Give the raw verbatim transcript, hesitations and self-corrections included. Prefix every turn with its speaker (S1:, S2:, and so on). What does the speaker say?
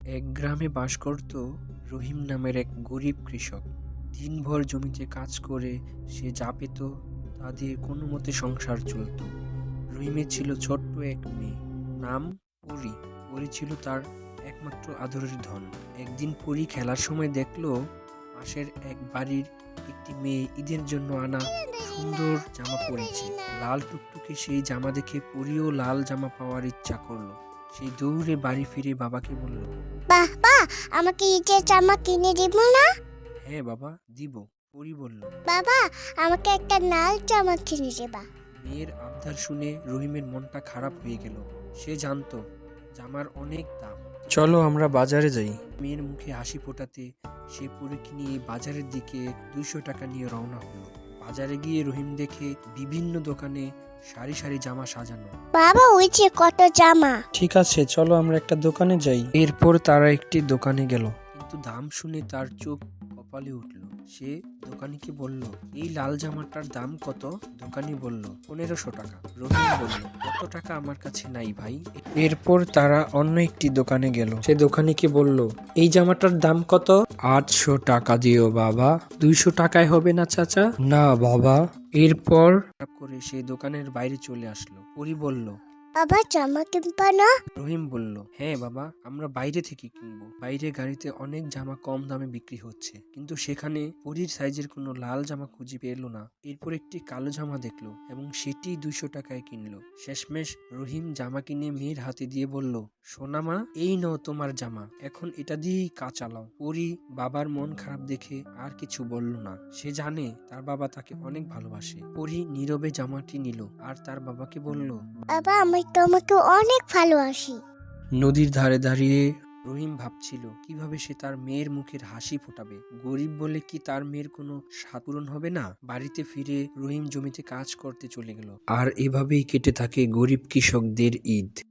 S1: এক গ্রামে বাস করত রহিম নামের এক গরিব কৃষক। দিনভর জমিতে কাজ করে সে যা পেত তা দিয়ে কোনো মতে সংসার চলত। রহিমের ছিল ছোট্ট এক মেয়ে, নাম পরী। পরী ছিল তার একমাত্র আদরের ধন। একদিন পরী খেলার সময় দেখলো পাশের এক বাড়ির একটি মেয়ে ঈদের জন্য আনা সুন্দর জামা পরেছে। লাল টুকটুকে সেই জামা দেখে পরীও লাল জামা পাওয়ার ইচ্ছা করলো। সেই দৌড়ে বাড়ি ফিরে বাবাকে বলল,
S2: বাহ বাহ, আমাকে ঈদের জামা কিনে দিব না?
S1: হ্যাঁ বাবা, দিব। পরী বলল।
S2: বাবা, আমাকে একটা লাল জামা কিনে দেবা?
S1: মেয়ের আবদার শুনে রহিমের মনটা খারাপ হয়ে গেল। সে জানতো জামার অনেক দাম। চলো আমরা বাজারে যাই। মেয়ের মুখে হাসি ফোটাতে সে পরীকে নিয়ে বাজারের দিকে দুইশো টাকা নিয়ে রওনা হলো। বাজারে গিয়ে রহিম দেখে বিভিন্ন দোকানে সারি সারি জামা সাজানো।
S2: বাবা, ওই যে কত জামা!
S1: ঠিক আছে, চলো আমরা একটা দোকানে যাই। এরপর তারা একটি দোকানে গেল, কিন্তু দাম শুনে তার চোখ কপালে উঠল। সে দোকানিকে বলল, এই লাল জামাটার দাম কত? দোকানি বলল, পনেরোশো টাকা। রহিম বলল, কত টাকা আমার কাছে নাই ভাই। এরপর তারা অন্য একটি দোকানে গেল। সে দোকানিকে বলল, এই জামাটার দাম কত? আটশো টাকা দিও বাবা। দুইশো টাকায় হবে না চাচা? না বাবা। এরপর করে সে দোকানের বাইরে চলে আসলো। পরী বলল,
S2: বাবা, জামা কিনবা না?
S1: রহিম বলল, হ্যাঁ বাবা, আমরা বাইরে থেকে কিনবো। বাইরে গাড়িতে অনেক জামা কম দামে বিক্রি হচ্ছে, কিন্তু সেখানে পরীর সাইজের কোনো লাল জামা খুঁজে পেল না। এরপর একটি কালো জামা দেখলো এবং সেটি দুইশো টাকায় কিনলো। শেষমেশ রহিম জামা কিনে মেয়ের হাতে দিয়ে বলল, সোনা মা, এই নাও তোমার জামা, এখন এটা দিয়েই কাজ চালাও। পরী বাবার মন খারাপ দেখে আর কিছু বলল না। সে জানে তার বাবা তাকে অনেক ভালোবাসে। পরী নীরবে জামাটি নিল আর তার বাবাকে বলল,
S2: বাবা, আমি তোমাকে অনেক ভালোবাসি।
S1: নদীর ধারে দাঁড়িয়ে রহিম ভাবছিল কিভাবে সে তার মেয়ের মুখের হাসি ফোটাবে। গরিব বলে কি তার মেয়ের কোনো স্বাদ পূরণ হবে না? বাড়িতে ফিরে রহিম জমিতে কাজ করতে চলে গেল। আর এভাবেই কেটে থাকে গরিব কৃষকদের ঈদ।